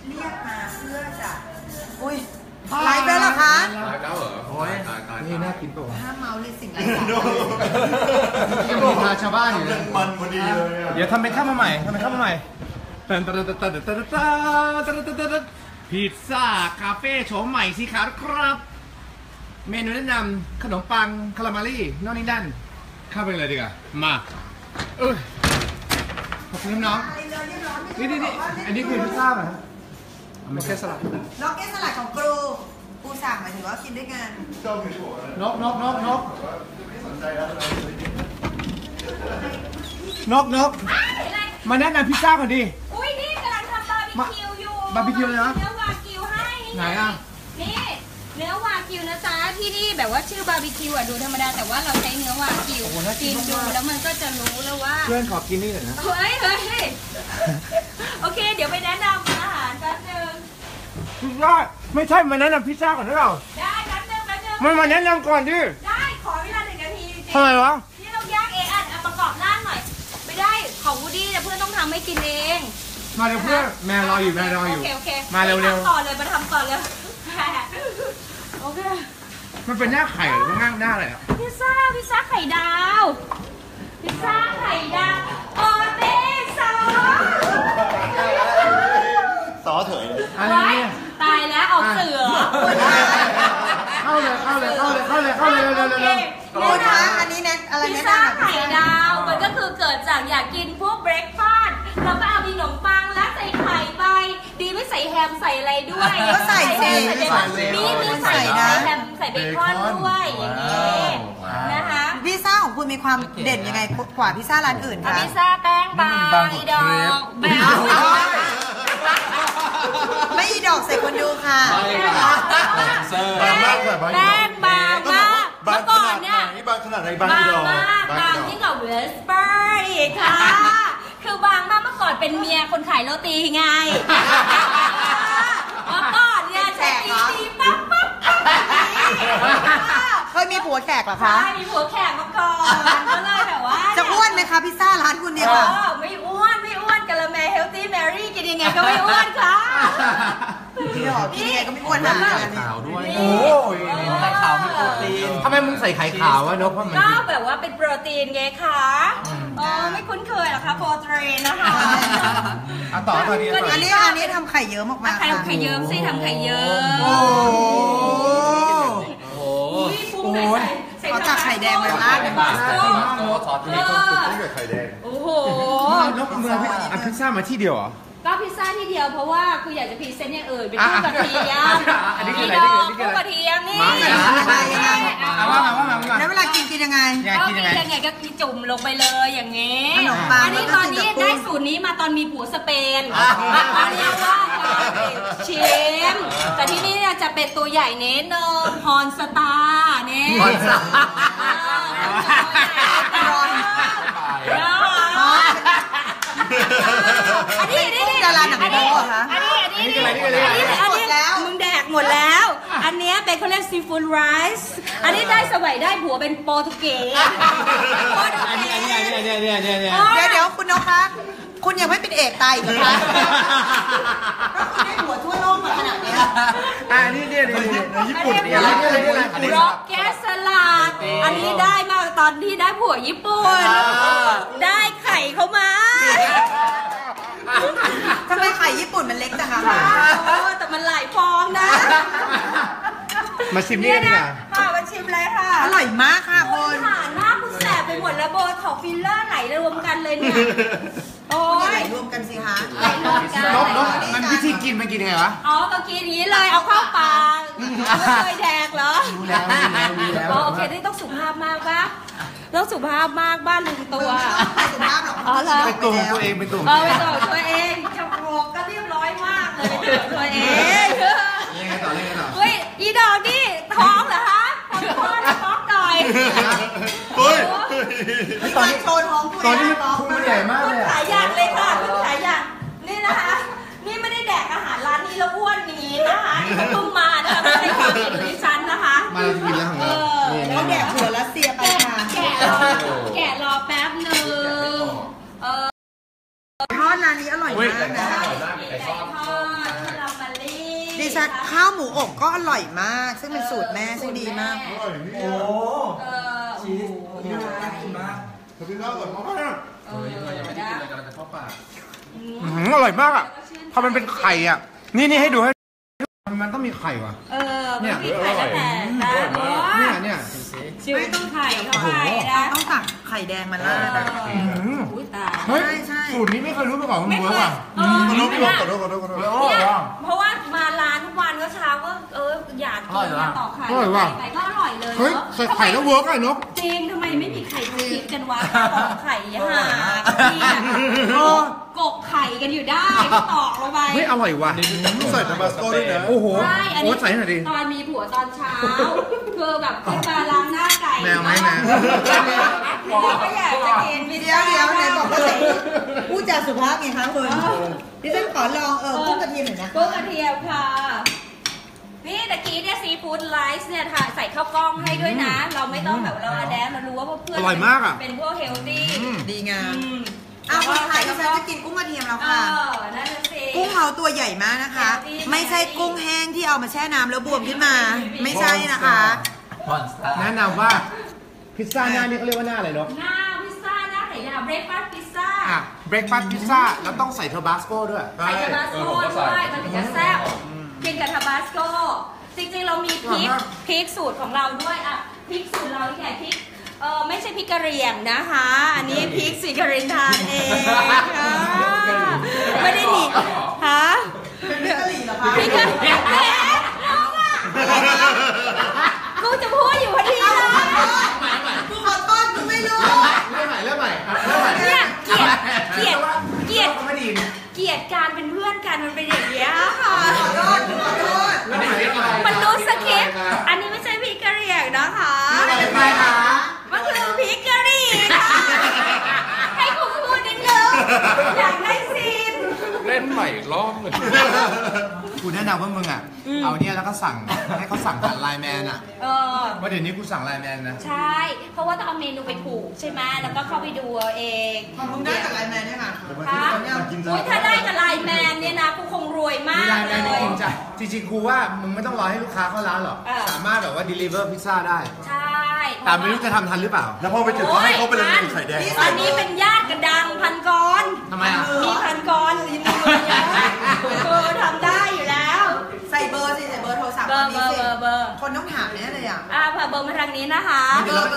เรียกมาเพื่อจะอุ้ยไลฟ์แล้วเหรอคะไลฟ์แล้วเหรอโอ้ยนี่น่ากินป่ะห้ามเมาเลยสิ่งไรสาระยังมีพาชาวบ้านอยู่เลยมันพอดีเลยเดี๋ยวทำเป็นข้าวมาใหม่พิซซ่าคาเฟ่โฉมใหม่สิครับเมนูแนะนำขนมปังคาราเมลี่นอกนี้ด้านเข้าไปเลยดีกว่ามาขอบคุณน้องนี่อันนี้คือพิซซ่าเหรอล็อกเก็ตสลัดของครูสั่งหมายถึงว่ากินด้วยกันนกมาแนะนำพิซซ่าก่อนดิอุ้ยนี่กำลังทำบาร์บีคิวอยู่บาร์บีคิวเลยนะเนื้อวากิวให้ไหนอ่ะนี่เนื้อวากิวนะจ๊ะที่นี่แบบว่าชื่อบาร์บีคิวอ่ะดูธรรมดาแต่ว่าเราใช้เนื้อวากิวกินดูแล้วมันก็จะรู้แล้วว่าเพื่อนขอกินนี่หน่อยนะเฮ้ยโอเคเดี๋ยวไปแนะนำอาหารแป๊บนึงพิซซ่าไม่ใช่มาแนะนำพิซซ่าก่อนหรือเปล่าได้แป๊บนึงมันมาแนะนำก่อนดิได้ขอเวลา1 นาทีทำไมวะนี่เราย่างเองอ่ะประกอบร่างหน่อยไม่ได้ของวูดดี้เพื่อนต้องทำให้กินเองมาเร็วเพื่อนแม่รออยู่โอเคมาเร็วมาทำต่อเลยโอเคมันเป็นหน้าไข่หรือว่าหน้าอะไรอ่ะพิซซ่าไข่ดาวโอเต้ซอเถยอะไรเนี่ยตายแล้วออกเสือเข้าเลยคุณคะอันนี้เนี่ยอะไรพิซเนี่ยซ่าไข่ดาวมันก็คือเกิดจากอยากกินพวกเบรคฟาสต์แล้วก็เอาขนมปังแล้วใส่ไข่ไปดีไม่ใส่แฮมใส่อะไรด้วยก็ใส่สินี่ใส่แฮมใส่เบคอนด้วยอย่างนี้นะคะพิซซ่าของคุณมีความเด่นยังไงกว่าพิซซ่าร้านอื่นคะพิซซ่าแป้งบางอีดอกไม่อีดอกใส่คนดูค่ะแป้งบางมากเมื่อก่อนเนี่ยบางขนาดไหนบางอีดอกบางยิ่งกว่าเวสเปอร์อีกค่ะคือบางมากเมื่อก่อนเป็นเมียคนขายโรตีไงเมื่อก่อนเนี่ยใช้ตีปั๊บเคยมีผัวแขกเหรอคะใช่มีผัวแขกมาก่อนก็เลยแบบว่าจะอ้วนไหมคะพิซซ่าร้านคุณเนี่ยค่ะไม่อ้วนกะละแมเฮลตี้แมรี่กินยังไงก็ไม่อ้วนค่ะพี่หอกินยังไงก็ไม่อ้วนนะขาวด้วยโอ้ยไข่ขาวมีโปรตีนทำไมมึงใส่ไข่ขาววะนกก็แบบว่าเป็นโปรตีนไงคะไม่คุ้นเคยหรอคะโปรตีนนะคะต่อดีอันนี้ทำไข่เยอะมากๆไข่เยิ้มสิทำไข่เยิ้มโอ้ยเขาตักไข่แดงมาลาดเลยค่ะซอสที่ต้องเกิดไข่แดงโอ้โหนกเมืองพิซซ่ามาที่เดียวเหรอก็พิซซ่าที่เดียวเพราะว่าคืออยากจะพรีเซนต์อย่างอื่นเป็นคู่กระเทียมคู่กระเทียมนี่แล้วเวลากินยังไงก็กินยังไงก็จุ่มลงไปเลยอย่างนี้อันนี้ตอนนี้ได้สูตรนี้มาตอนมีผัวสเปนเรียกว่าชิมแต่ที่นี่จะเป็นตัวใหญ่เน้นเนอฮอนสตาร์เนี่ยฮอนสตาอันนี้ดาราหนังโป๊ะคะอันนี้มึงแดกหมดแล้ว อันนี้เป็นเขาเรียกซีฟู้ดไรซ์อันนี้ได้สมัยได้ผัวเป็นโปรตุเกสเดี๋ยวคุณนกคะคุณยังไม่เป็นเอกตายอีกเหรอคะคุณได้หัวทั่วโลกมาขนาดนี้นี่ญี่ปุ่นร็อกแกสลัดอันนี้ได้มาตอนที่ได้ผัวญี่ปุ่นได้ไข่เขามาทำไมไข่ญี่ปุ่นมันเล็กจังอะคะแต่มันหลายฟองนะมาชิมนี่กันค่ะมาชิมเลยค่ะอร่อยมากค่ะคุณหน้าคุณแสบไปหมดแล้วโบท็อกฟิลเลอร์ไหลรวมกันเลยเนี่ยโอ้ยไหลรวมกันสิคะไหลรวมกันมันวิธีกินมันกินยังไงวะก็กินอย่างนี้เลยเอาเข้าปากไม่เคยแดกเหรอโอเคนี่ต้องสุภาพมากปะต้องสุภาพมากบ้านลุงตัวสุภาพหรอเป็นตัวเองเป็นตัวตัวเองจะโรกก็เรียบร้อยมากเลยตัวเองยังไงต่อเฮ้ยอีดอกนี่ท้องเหรอคะท้องหน่อยเฮ้ยตอนนี้โชว์ท้องตอนนี้คุณใหญ่มากเลยขายอย่างเลยค่ะคุณขายอย่างนี่นะคะนี่ไม่ได้แดกอาหารร้านนี้แล้วอ้วนนี้นะคะนี่เพิ่งมานะคะไม่ใช่ความผิดดิฉันนะคะมากินแล้วของเราเขาแดกหัวรัสเซียไปค่ะแกะรอแป๊บนึงทอดร้านนี้อร่อยมากนะทอดคาราเมลลี่ดิฉันข้าวหมูอบก็อร่อยมาก ซึ่งเป็นสูตรแม่ซึ่งดีมากอร่อยนี่โอ้ชีสนี่น่ากินมากขอบคุณมากก่อนมากเฮ้ยยังไม่ได้กินเลยกำลังจะเข้าปากอร่อยมากอ่ะพอมันเป็นไข่อ่ะ นี่ให้ดูให้มันต้องมีไข่ว่ะมันมีไข่ตั้งแต่เนี่ยชิวต้องไข่เข้าไปนะต้องตักไข่แดงมาราดอะอุ้ยตายเฮ้ยใช่สูตรนี้ไม่เคยรู้มาก่อนมันไม่เวิเคร์กยอ่ะขอโทษขอโทษขอโทษขอโทษเนี่ยเพราะว่ามาร้านทุกวันก็เช้าก็อยากกินมาต่อไข่ไปก็อร่อยเลยเฮ้ยใส่ไข่แล้วเวิร์กไอ้นกจริงทำไมไม่มีไข่คุกคิดกันวะตอกไข่ห่าเนี่ยกบไข่กันอยู่ได้ตอกลงไปเฮ้ยอร่อยว่ะใส่ทาบาสโก้ด้วยนะโอ้โหใช่อันโอ้นี้ใส่หน่อยดิตอนมีผัวตอนเช้าคือแบบขึ้นมาล้างหน้าไก่แมวไหมแมวเราก็อยากจะกินเดี๋ยวไหนบอกว่าจะพูดจาสุภาพไงคะคุณดิฉันขอลองกุ้งกระเทียมหน่อยนะกุ้งกระเทียมค่ะนี่ตะกี้เนี่ยซีฟู้ดไลซ์เนี่ยใส่ข้าวกล้องให้ด้วยนะ เราไม่ต้องแบบเราอะแดนเรารู้ว่าเพื่อนอร่อยมากอ่ะเป็นพวกเฮลตี้ดีงามเอาคนไทยดิฉันจะกินกุ้งกระเทียมแล้วค่ะนั่นสิกุ้งเขาตัวใหญ่มากนะคะ ไม่ใช่กุ้งแห้งที่เอามาแช่น้ำแล้วบวมขึ้นมา ไม่ใช่นะคะแนะนำว่าพิซซ่าหน้านี่เขาเรียกว่าหน้าอะไรนกหน้าพิซซ่าหน้าไข่ดาวเบรคฟาสต์พิซซ่าอ่ะเบรกฟาสต์พิซซ่าแล้วต้องใส่เทอร์บาสโก้ด้วยใส่ทาบาสโก้ด้วยมันถึงจะแซ่บกินกับทาบาสโก้จริงๆเรามีพริกสูตรของเราด้วยอ่ะพริกสูตรเราแค่พริกไม่ใช่พริกกะเหรี่ยงนะคะ อันนี้พริกสีกะเหรินทานเองค่ะไม่ได้หนีฮะพริกกะหรี่เหรอคะพริกกะเหรี่ยงน้องอ่ะกูจะพูดอยู่พอดีเลยกูขอโทษกูไม่รู้เริ่มใหม่เนี่ยเกลียดไม่ดีเกลียดการเป็นเพื่อนกันมันเป็นอย่างเงี้ยค่ะขอโทษมันรู้สคริปต์อันนี้ไม่ใช่พริกกะเหรี่ยงนะคะเป็นไงคะมันคือพริกกะหรี่ค่ะให้คุณพูดนิดนึงอยากได้ซีนเล่นใหม่อีกรอบหนึ่งกูแนะนำว่ามึงอ่ะ เอาเนี่ยแล้วก็สั่งให้เขาสั่งผ่านไลน์แมนอ่ะว่าเดี๋ยวนี้กูสั่งไลน์แมนนะใช่ เพราะว่าต้องเอาเมนูไปผูกใช่ไหมแล้วก็เข้าไปดูเอาเองมึงได้จากไลน์แมนเนี่ยค่ะค่ะอุ้ยถ้าได้กับไลน์แมนเนี่ยนะกูคงรวยมามีกไลน์แมนเลจยริงจ้ะจริงๆครูว่ามึงไม่ต้องรอให้ลูกค้าเข้าร้านหรอก สามารถแบบว่า deliver พิซซ่าได้ใช่แต่ไม่รู้จะทำทันหรือเปล่าแล้วพอไปถึงเขาให้เขาไปเลยเป็นไข่แดงอันนี้เป็นญาติกันดังพันกรทำไมอ่ะมีพันกรยินดีเยอะคือทำได้อยู่แล้วใส่เบอร์สิใส่เบอร์โทรศัพท์เบอร์นี้สิเบอร์คนต้องถามแน่เลยอ่ะเผื่อเบอร์มาทางนี้นะคะเบอร์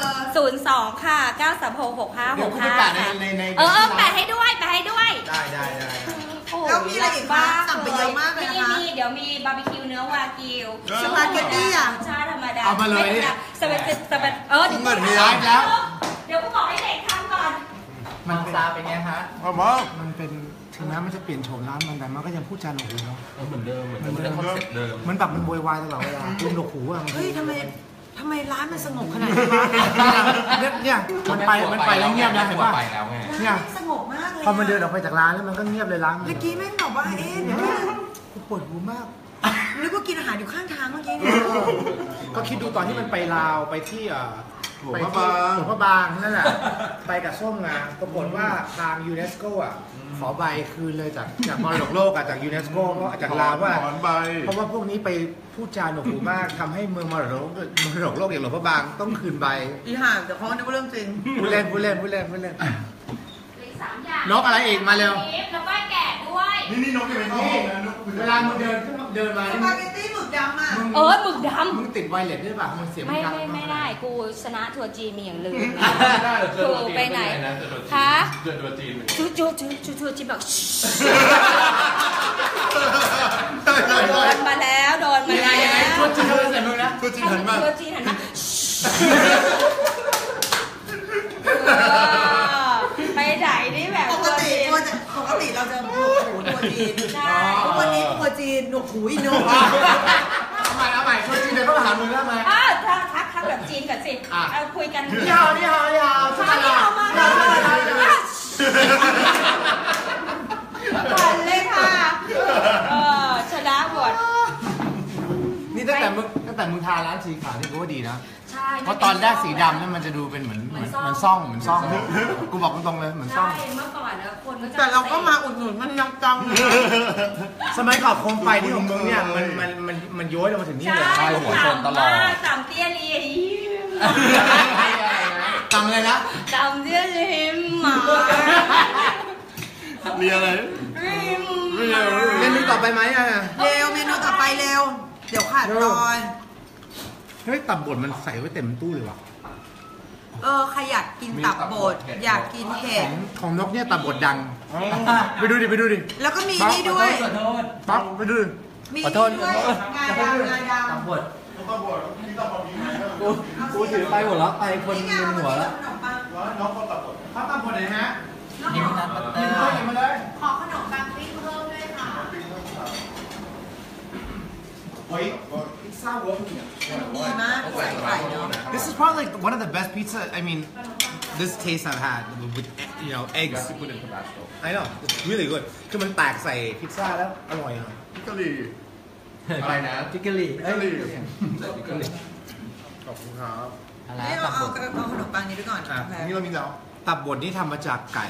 02 ค่ะ 9366565 เดี๋ยวกูไปแปะในแปะให้ด้วยแปะให้ด้วยได้แล้วมีอะไรอีกคะสั่งไปเยอะมากเลยนะคะมีเดี๋ยวมีบาร์บีคิวเนื้อวากิวสปาเกตตี้อ่ะชาธรรมดาเอามาเลยสเปซเดี๋ยวเหมือนมีไลฟ์แล้วเดี๋ยวกูบอกให้เด็กทำก่อนมันซาเป็นไงฮะมามามันเป็นถึงแม้มันจะเปลี่ยนโฉมร้านมันแต่มันก็ยังพูดจาหนวกหูเนาะเหมือนเดิมเหมือนเดิมคอนเซ็ปต์เดิมมันแบบมันโวยวายตลอดเวลาคุณหนวกหูอ่ะเฮ้ยทำไมร้านมันสงบขนาดนี้วะเนี่ยมันไปแล้วเงียบนะเห็นป่ะไปแล้วไงเนี่ยสงบมากเลยพอมันเดินออกไปจากร้านแล้วมันก็เงียบเลยร้านเมื่อกี้แม่งบอกว่าเอ๊ะเดี๋ยวกูปวดหูมากนึกว่ากินอาหารอยู่ข้างทางเมื่อกี้เนี่ยก็คิดดูตอนที่มันไปลาวไปที่หลวงพระบางนั่นแหละไปกับส้มไงปรากฏว่าทางยูเนสโกอ่ะขอใบคืนเลยจากมรดกโลกอ่ะจากยูเนสโกเพราะจากลาวว่าถอนใบเพราะว่าพวกนี้ไปพูดจาหนวกหูมากทำให้เมืองมรดกโลกอย่างหลวงพระบางต้องคืนใบอีห่างแต่เขานึกว่าเรื่องจริงพูดเล่นเหลืออีก3อย่างนกอะไรอีกมาเร็วแล้วก็แกะด้วยนี่นกยังไม่เข้าห้องนะนกเวลามึงเดินมาสปาเกตตี้หมึกดำอ่ะหมึกดมึงติดไวเลสด้วยป่ะมึงเสียงำไม่ได้กูชนะทัวร์จีนมีอย่างลืมคือไปไหนคะเจอตัวจีนเหมือนจูจีนแบบโดนมาแล้วทัวร์จีนเลยใส่มึงนะตัวจริงหันมาทัวร์จีนหันมาไปไหนนี่แบบปกติเราจะหนวกหูตัวจีนวันนี้ตัวจีนหนวกหูอีโนเอาใหม่ทัวร์จีนเดี๋ยวก็มาหามึงแล้วมาทักแบบจีนก่อนสิคุยกันนี่ฮาวนี่ฮาวชาที่เอามาก่อนเลยค่ะชนะหมดนี่ตั้งแต่มึงทาร้านสีขาวนี่กูว่าดีนะใช่เพราะตอนแรกสีดำนั่นมันจะดูเป็นเหมือนซ่องกูบอกตรงๆเลยเหมือนซ่องใช่เมื่อก่อนนะคนก็จะแต่เราก็มาอุดหนุนมันยังจังสมัยก่อนโคมไฟที่ของมึงเนี่ยมันย้อยลงมาถึงนี่เลยใช่หัวชนตลอดต่ำเตี้ยลีจำเลยนะต่ำเตี้ยลีหมาเรียอะไรเมนูต่อไปไหมอ่ะเร็วเมนูต่อไปเร็ว เดี๋ยวขาดตอนเฮ้ยตับบดมันใส่ไว้เต็มตู้เลยว่ะใครอยากกินตับบดอยากกินเห็ดของนกเนี่ยตับบดดังไปดูดิแล้วก็มีนี่ด้วยปั๊บไปดูดิมีนี่ด้วยงาดำตับบดกูถือไปหมดแล้วไปคนนี่ไงลืมหัวแล้วขนมปังปั๊บตับบดไหนฮะนี่นัทบัตเตอกินร์ข้าวกินมาเลยขอขนมปังปิ้งเพิ่มด้วยค่ะเฮ้ยพิซซ่าเวิร์กเนี่ยดีมากใส่ไข่เนาะ This is probably like one of the best pizza. I mean, this taste I've had with eggs. I know it's really good. คือมันแตกใส่พิซซ่าแล้วอร่อยอ่ะพิกะลีอะไรนะพิกเกอรี่พิกะลีพิกเกอรี่ขอบคุณครับอะไรนี่ตัเอาบบดเอาขนมปังนี้ไปก่อนอ่ะโอเคนี่เรามีแล้วตับบดนี่ทำมาจากไก่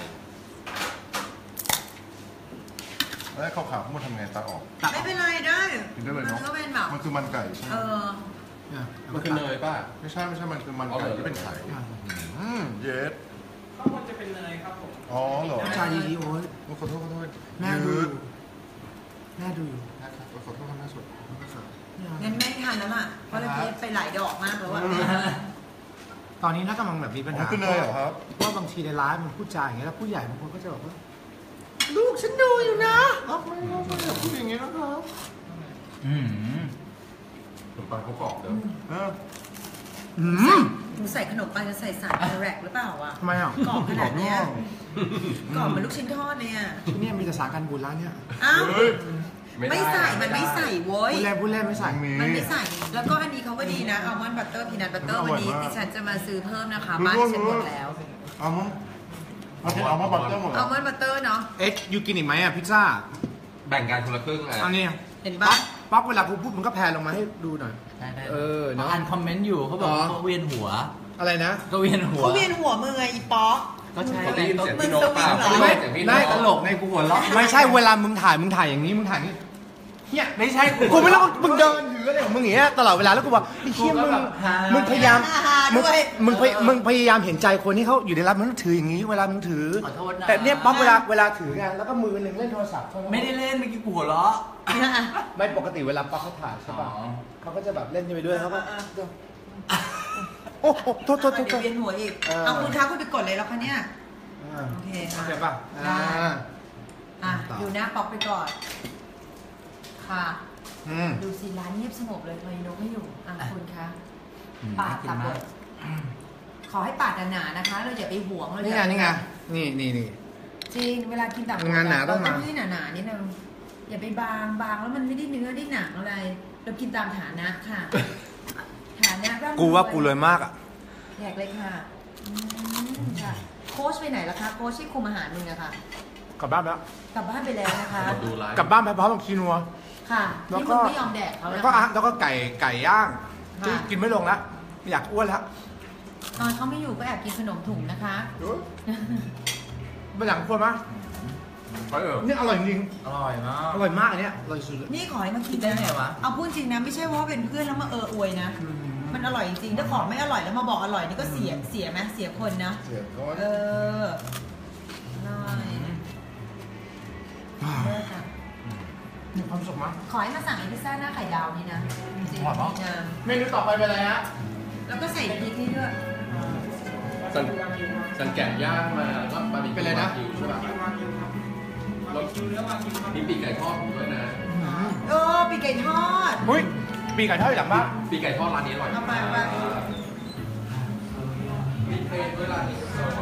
แล้วข้าวขาวทั้งหมดทำไงตัดออกตับไม่เป็นไรได้กินได้เลยเนาะมันก็เป็นแบบมันคือมันไก่ใช่ไหมเนี่ยมันคือเนยป่ะไม่ใช่มันคือมันไก่ที่เป็นไข่เยสข้างบนจะเป็นเนยครับผมอ๋อเหรอชาดีโอ้ยขอโทษแม่ดูยือยู่ดแม่ดูอยู่นะครับขอโทษครับแม่สุดงั้นไม่ทันแล้วล่ะ เพราะเราพีไปหลายดอกมากแล้วอะตอนนี้น่ากำลังแบบมีปัญอ๋หาอคือเนยเหรอครับว่าบางทีในร้านมันพูดจาอย่างเงี้ยแล้วผู้ใหญ่บางคนก็จะบอกว่าลูกฉันดูอยู่นะไม่อย่าพูดอย่างนี้นะครับอืมขนมปังเขากรอบเด้อหนูใส่ขนมปังจะใส่สารแรกหรือเปล่าวะทำไมอ่ะกรอบขนาดเนี้ยกรอบเหมือนลูกชิ้นทอดเลยอะที่เนี่ยมีแต่สารกันบูดร้านเนี่ยอ้าวเฮ้ยไม่ใส่มันไม่ใส่โว้ยพูดเล่นไม่ใส่มันไม่ใส่ แล้วก็อันนี้เขาก็ดีนะอัลมอนด์บัตเตอร์พีนัทบัตเตอร์วันนี้ดิฉันจะมาซื้อเพิ่มนะคะบ้านฉันหมดแล้วเอามั้งเอามาบัตเตอร์หมดอัลมอนด์บัตเตอร์เนาะเอ๊ะยูกินอีกไหมอ่ะพิซซ่าแบ่งกันคนละครึ่งอ่ะเอาเนี่ยเห็นปะป๊อปเวลากูพูดมึงก็แพนลงมาให้ดูหน่อยได้เออเนอะอ่านคอมเมนต์อยู่เขาบอกอ๋อเขาเวียนหัวอะไรนะก็เวียนหัวเขาเวียนหัวมือไงอีป๊อกก็ใช่มึงได้ยินเสียงพี่นกสวิงเหรอไม่ได้ได้ตลกในกูหัวเราะไม่ใช่เวลามึงถ่ายอย่างนี้มึงถ่ายอย่างนี้เนี่ยไม่ใช่กูไม่รู้ว่ามึงเดินถืออะไรของมึงอย่างเงี้ยตลอดเวลาแล้วกูบอกไอ้เชี่ยมึงพยายามมึงพยายามเห็นใจคนที่เขาอยู่ในร้านมึงต้องถืออย่างนี้เวลามึงถือขอโทษนะแต่เนี่ยป๊อปเวลาถือไงแล้วก็มือหนึ่งเล่นโทรศัพท์ไม่ได้เล่นเมื่อกี้กูหัวเราะไม่ปกติเวลาป๊อปเขาถ่ายใช่ป่ะอ๋อเขาก็จะแบบเล่นไปด้วยเขาก็โอ้โหโทษเดี๋ยวเวียนหัวอีก เอาคุณคะคุณไปกดเลยแล้วคะเนี่ยโอเคค่ะเจ็บป่ะดูหน้าป๊อกไปก่อน ค่ะอืมดูสิร้านเงียบสงบเลยทำไมนกไม่อยู่คุณคะอืมปาดน่ากินตับมากบดขอให้ปาดหนาๆนะคะ เราอย่าไปหวงเรานี่อย่าไงนี่นี่จริงเวลากินตับบดงานหนาต้องมาให้หนาๆนิดนึงอย่าไปบางแล้วมันไม่ได้เนื้อได้หนังอะไร เรากินตามฐานะค่ะ ฐานะร่ำรวยกูว่ากูเลยมากอ่ะแขกเลยค่ะค่ะ โค้ชไปไหนล่ะคะ โค้ชที่คุมอาหารมึงอะค่ะกลับบ้านแล้วกลับบ้านไปแล้วนะคะดูไลฟ์กลับบ้านไปพร้อมกับคีนัวค่ะแล้วที่ก็มึงไม่ยอมแดกเขาแล้วนะก็คะแล้วก็ไก่ย่างค่ะที่กินไม่ลงแล้วไม่อยากอ้วนแล้วตอนเขาไม่อยู่ก็แอบกินขนมถุงนะคะไม่อยากอ้วนมั้ยไปเออนี่อร่อยจริงอร่อยมากอร่อยมากอันเนี้ยอร่อยสุดเลยนี่ขอให้มากินได้ไงวะเอาพูดจริงนะไม่ใช่ว่าเป็นเพื่อนแล้วมาอวยนะ มันอร่อยจริงๆถ้าของไม่อร่อยแล้วมาบอกอร่อยนี่ก็เสียไหมเสียคนนะเสียก้อนเอออร่อยเลิศอ่ะมีความสุขมั้ยขอให้มาสั่งไอ้พิซซ่าหน้าไข่ดาวนี่นะจริงๆดีนะเมนูต่อไปเป็นอะไรฮะแล้วก็ใส่พริกนี่ด้วยสันแกะย่างมาแล้วก็ปลาดิบเป็นอะไรนะวากิวใช่ป่ะรสมีปีกไก่ทอดอยู่ด้วยนะปีกไก่ทอดอุ้ยปีกไก่ทอดอยู่หลังบ้านปีกไก่ทอดร้านนี้อร่อยเอาไปมีเพลงด้วยร้านนี้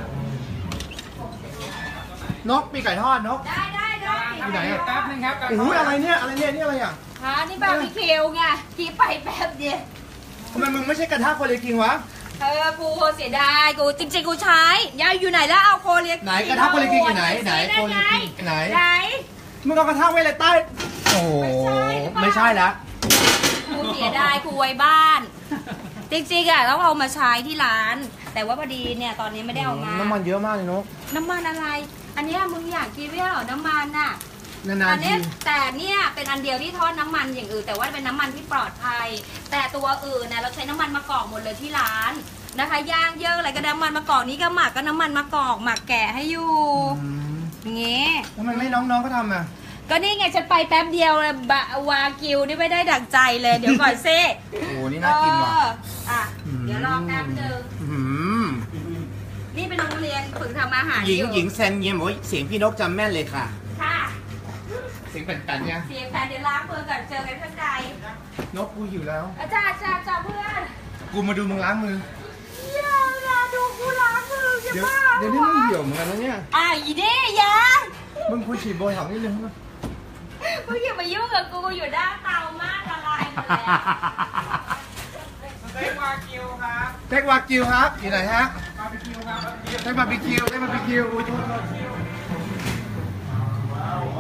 นกปีกไก่ทอดนกได้อยู่ไหนอ่ะแป๊บนึงครับโอ้ยอะไรเนี่ยนี่อะไรอ่ะค่ะนี่บาร์บีคิวไงกี่ไปแป๊บเดียวทำไมมึงไม่ใช่กระทะโคเรียคิงวะกูเสียดายกูจริงๆกูใช้ยายอยู่ไหนแล้วเอาโคเรียไหนกระทะโคเรียคิงอยู่ไหนโคเรียคิงไหนไหนมึงเอากระทะไว้เลยใต้โอ้ไม่ใช่ละกูเสียดายกูไว้บ้าน จจริงๆอ่ะต้องเอามาใช้ที่ร้าน แต่ว่าพอดีเนี่ยตอนนี้ไม่ได้เอามาน้ำมันเยอะมากเลยนกน้ำมันอะไร อันเนี้ยมึงอยากกินไม่ใช่เหรอน้ำมันน่ะนาอันๆเนี้ทียแต่เนี่ยเป็นอันเดียวที่ทอดน้ำมันอย่างอื่น แต่ว่าเป็นน้ำมันที่ปลอดภัย แต่ตัวอื่นเนี่ยเราใช้น้ำมันมะกอกหมดเลยที่ร้านนะคะย่างเยอะอะไรก็น้ำมันมะกอกนี้ก็หมักก็น้ำมันมะกอกหมักแกะให้อยู่อย่างเงี้ยทำไมไม่น้องๆก็ทำอ่ะก็นี่ไงฉันไปแป๊บเดียวเลยบะวากิวนี่ไม่ได้ดั่งใจเลยเดี๋ยวก่อนซิโอ้โหนี่น่ากินว่ะอ่ะเดี๋ยวรอแป๊บนึงอืมนี่เป็นโรงเรียนฝึกทำอาหารหญิงอยู่หญิงแซนเงียมบอกว่าเสียงพี่นกจำแม่นเลยค่ะค่ะเสียงแป่นๆเนี่ยเสียงแฟนเดี๋ยวล้างมือก่อนเจอกันข้างในนกกูหิวแล้วอาจารย์จ้าเพื่อนกูมาดูมึงล้างมืออย่าดูกูล้างมืออย่าเดี๋ยวบ้าเดี๋ยวนี้มึงเหี่ยวเหมือนกันนะเนี่ยอีเด้ยังมึงควรฉีดโบท็อกซ์นิดนึงนะมึงอย่ามายุ่งกับกูอยู่ด้านเตามากละลายหมดแล้วเต็กวากิวครับอยู่ไหนฮะบาร์บีคิวครับเต็กบาร์บีคิวอุ้ยโทษโอ้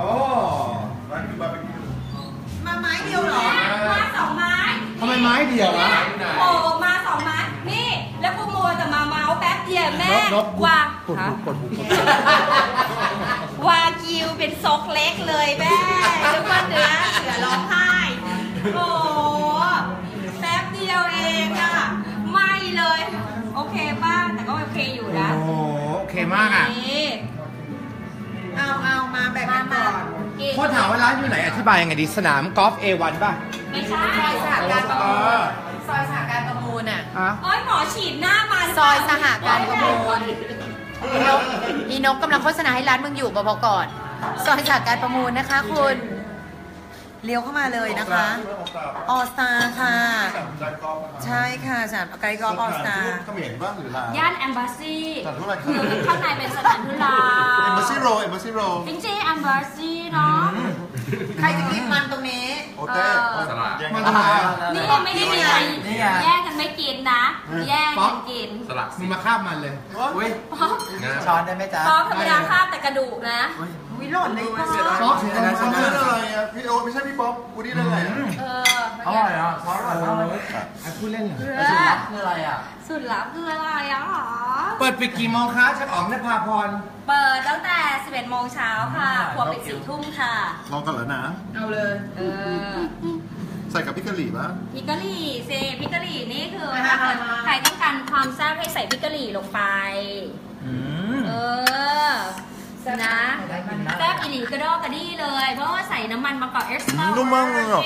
มาไม้เดียวเหรอมาสองไม้ทำไมไม้เดียวอ่ะโอ้มาสองไม้นี่แล้วกูมัวแต่มาเมาส์แป๊บเดียวแม่นกวางกดหูกดหูวากิวเป็นซกเล็กเลยแม่นึกว่าเนื้อเสือร้องไห้โอ้แป๊บเดียวเองอะไม่เลย โอเคป้าแต่ก็โอเคอยู่นะโอ้โหโอเคมากอ่ะนี่เอามาแบ่งกันก่อนกินพ่อถามว่าร้านอยู่ไหนอธิบายยังไงดีสนามกอล์ฟ A1 ป่ะไม่ใช่สหการประมูลซอยสหการประมูลอ่ะอ่ะโอ้ยหมอฉีดหน้ามาหรืเปซล่าอยสหการประมูลอีนกกำลังโฆษณาให้ร้านมึงอยู่บอกก่อน ซอยสหการประมูลนะคะคุณเลี้ยวเข้ามาเลยนะคะออสตาค่ะ ใช่ค่ะสนามไกลกอล์ฟออสตาเขมรบ้างหรือลาวย่านแอมบาซีสถานทูตอะไรครับคือข้างในเป็นสถานทูตลาวเอมบาซีโรเอมบาซีโรจริงๆแอมบาซีเนาะใครจะกินมันตรงนี้โอเต้สลัดแย่งมันกัอะไรอ่ะนี่ไม่ได้มีใครแย่งกันไม่กินนะ แย่งกันกินสลัดมึงมาคาบมันเลยอุ้ยช้อนซอสธรรมดาคาบแต่กระดูกนะวิหล่นเลยพ่อซอสเสียอะไรซอสเส้นอะไรอ่ะพี่โอไม่ใช่พี่ป๊อปกูนี่ได้ไงอ่ะเอออร่อยอ่ะซอสอร่อยมากเลยอ่ะพูดเล่นเหรอสุดลับคืออะไรอ่ะสุดลับคืออะไรอ่ะเปิดปิดกี่โมงคะชักอ๋องนภาพรเปิดตั้งแต่ 11 โมงเช้าค่ะครัวปิด 4 ทุ่มค่ะลองกันแล้วนะเอาเลยเออใส่กับพริกกะหรี่ป่ะพริกกะหรี่สิพริกกะหรี่นี่คือถ้าเกิดใครต้องการความแซ่บให้ใส่พริกกะหรี่ลงไป เออ นะแซ่บอีหลีกระดอกกระดี้เลย เพราะว่าใส่น้ำมันมะกอกเอ็กซ์ตร้านุ่มมากเลยอ่ะ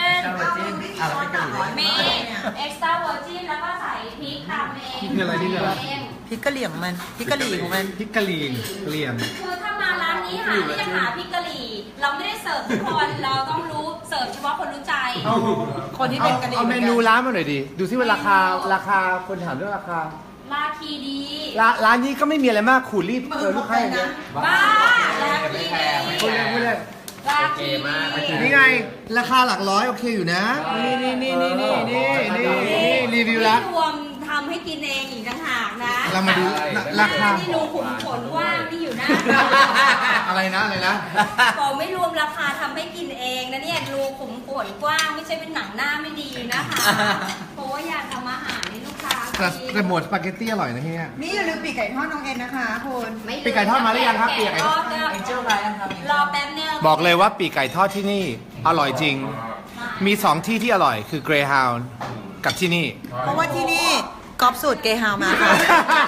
มีเอ็กซ์ตร้าเวอร์จินแล้วก็ใส่พริกทำเองนี่คืออะไรนี่คืออะไรพริกกะเหรี่ยงมันพริกกะหรี่ของมันพริกกะหรี่เกลี่ยมคือถ้ามาร้านนี้หาที่จะหาพริกกะหรี่ เราไม่ได้เสิร์ฟทุกคนเราต้องรู้เสิร์ฟเฉพาะคนรู้ใจคนที่เป็นกะหรี่เอาเมนูร้านมาหน่อยดิ ดูซิว่าราคาคนถามเรื่องราคาราคีดีร้านนี้ก็ไม่มีอะไรมากขูดรีบลูกค้าอย่างเดียวบ้าราคีดีพูดเล่นพูดเล่นราคีดีนี่ไง ราคาหลักร้อยโอเคอยู่นะ นี่รีวิวแล้วไม่รวมทำให้กินเองอีกต่างหากนะเรามาดูราคาที่รูขุมขนกว้างที่อยู่หน้าอะไรนะอะไรนะบอกไม่รวมราคาทำให้กินเองนะเนี่ยรูขุมขนกว้างไม่ใช่เป็นหนังหน้าไม่ดีนะคะ เพราะว่าอยากทำอาหารให้ลูกค้ากินแต่หมวดสปาเกตตี้อร่อยนะที่เนี่ยนี่อย่าลืมปีกไก่ทอดน้องเอ็นนะคะคุณไม่ลืมปีกไก่ทอดมาหรือยังครับปีกไก่ทอดรอแป๊บนึงบอกเลยว่าปีกไก่ทอดที่นี่อร่อยจริง มี2ที่ที่อร่อยคือ Greyhound กับที่นี่เพราะว่าที่นี่กอล์ฟสูตรเกฮาวมาค่ะ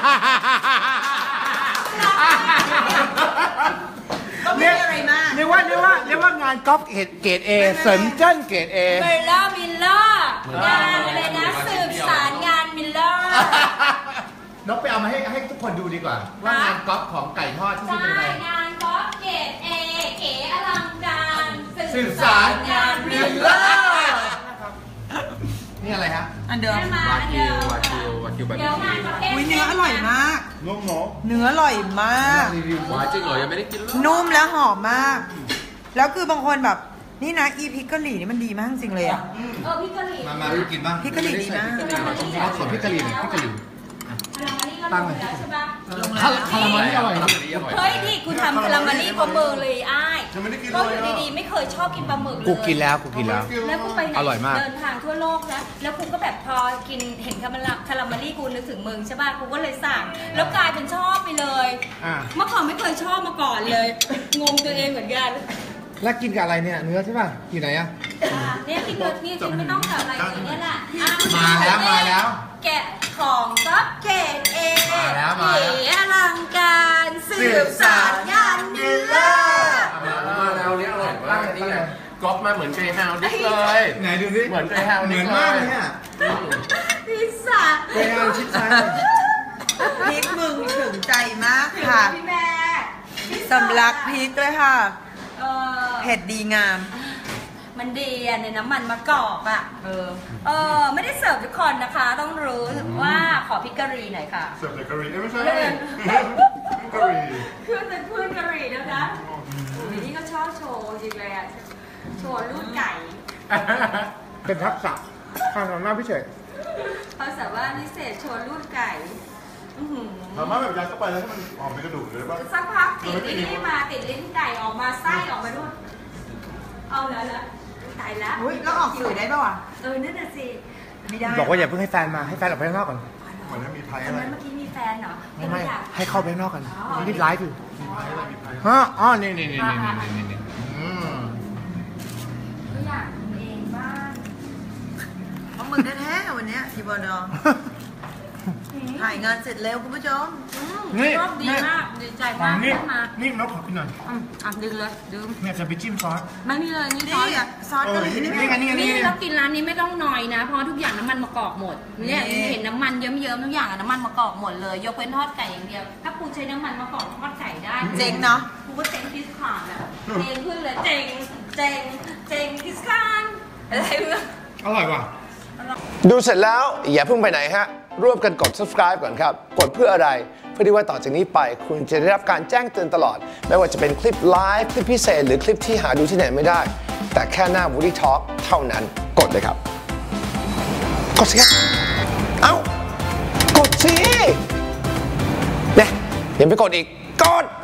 ก็ไม่มีอะไรมากเรียกว่างานกอล์ฟเกรด A เสริมเจิ้นเกรด A มิลเลอร์งานอะไรนะสืบสารงานมิลเลอร์นกไปเอามาให้ทุกคนดูดีกว่า ว่างานกอล์ฟของไก่ทอดที่นี่ใช่เป็นไงงานกอล์ฟเกรดเอเก๋อลังการสืบสารงานมิลเลอร์นี่อะไรฮะอันเดิมได้มาวาอันกิเดิวมวากิววากิวแบบเดี๋ยวงานประเภทอุ้ยเนื้ออร่อยมากนุ่มเนาะเนื้ออร่อยมากรีวิววาจริงเหรอยังไม่ได้กินเลยนุ่มและหอมมาก แล้วคือบางคนแบบนี่นะอีพริกกะหรี่นี่มันดีมากจริงเลยอ่ะพริกกะหรี่มาดูกินบ้างพริกกะหรี่ดีมากเอาส่วนพริกกะหรี่หน่อยพริกกะหรี่อันนี้ก็ตั้งลเลยงแล้วใช่ปะคาราเมลนี่อร่อยเฮ้ยนี่กูทำคาราเมลี่ปลาหมึกเลยอ้ายยังไม่ได้กินก็เลอย ยู่ดีๆไม่เคยชอบกินปลาหมึกเลยกูกินแล้วกูกินแล้วแล้วกูไปไหนอร่อยมากเดินทางทั่วโลกนะแล้วกูก็แบบพอกินเห็นคาราเมลี่กูนึกถึงมึงใช่ป่ะกูก็เลยสั่งแล้วกลายเป็นชอบไปเลยอ่าเมื่อก่อนไม่เคยชอบมาก่อนเลยงงตัวเองเหมือนกันแล้วกินกับอะไรเนี่ยเนื้อใช่ป่ะอยู่ไหนอะเนี่ยกินเลยนี่กินไม่ต้องกับอะไรอย่างเงี้ยแหละอ่ะมาแล้วแกะของก็เกตเองมาแล้วเก๋อลังการสืบสารงานเนื้อมาแล้วเนี่ยอร่อยมากนี่ไงก๊อปมาเหมือนเกรย์ฮาวดิสเลยไหนดูสิเหมือนเกรย์ฮาวดิสเหมือนมากเลยเนี่ยพิซซ่าไปเอาชิดซ้ายพริกมึงถึงใจมากค่ะพี่แม่พิซซ่าสำลักพริกด้วยค่ะเออเผ็ดดีงามมันดีอะในน้ำมันมะกอกอะไม่ได้เสิร์ฟทุกคนนะคะ ต้องรู้ว่าขอพริกกะหรี่หน่อยค่ะเสิร์ฟแต่กะหรี่ไม่ใช่กะหรี่เพื่อนเป็นเพื่อนกะหรี่นะคะอุ้ยนี่ก็ชอบโชว์จริงเลยอะโชว์ลูกไก่เป็นทักษะข้างหน้าพี่เฉยเขาสามารถพิเศษโชว์ลูกไก่อื้อหือสามารถแบบยัดเข้าไปแล้วให้มันออกเป็นกระดูกเลยป่ะสักพักติดนี่มาติดลิ้นไก่ออกมาไส้ออกมาด้วยเอาแล้วละตายแล้วอุ้ยแล้วออกสื่อได้ป่าวะนั่นน่ะสิไม่ได้บอกว่าอย่าเพิ่งให้แฟนมาให้แฟนออกไปข้างนอกก่อนเหมือนมีไพ่อัอะนไรนั้นเมื่อกี้มีแฟนเหรอไม่อยากให้เข้าไปข้างนอกกันรีบไลฟ์อยู่มีไพ่อะไรมีไพ่ฮะอ๋อนี่ก็อยากทำเองบ้างของมึงแท้ๆวันเนี้ยทีบอลดองถ่ายงานเสร็จเร็วคุณผู้ชมรอบดีมากดีใจมากนี่ขึ้นมานี่นกขอกินหน่อยดึงเลยดื่มเนี่ยจะไปจิ้มซอสไม่มีเลยนี่นี่อ่ะซอสกะหรี่นี่นี่ไงนี่ไงนี่เรากินร้านนี้ไม่ต้องหน่อยนะ เพราะทุกอย่างน้ำมันมะกอกหมดเนี่ยเห็นน้ำมันเยิ้มๆทุกอย่างน้ำมันมะกอกหมดเลยยกเว้นทอดไก่อย่างเดียวถ้ากูใช้น้ำมันมะกอกทอดไก่ได้เจ๋งเนาะกูก็เจ๋งคิสคานอ่ะเจ๋งขึ้นเลยเจ๋งคิสคานอะไรเงี้ยอร่อยว่ะดูเสร็จแล้วอย่าเพิ่งไปไหนฮะ ร่วมกันกด subscribe ก่อนครับ กดเพื่ออะไร เพื่อที่ว่าต่อจากนี้ไปคุณจะได้รับการแจ้งเตือนตลอด ไม่ว่าจะเป็นคลิปไลฟ์คลิปพิเศษ หรือคลิปที่หาดูที่ไหนไม่ได้ แต่แค่หน้า Woody Talk เท่านั้นกดเลยครับ กดสิครับ เอ้า กดสิเนี่ยยังไม่กดอีก กด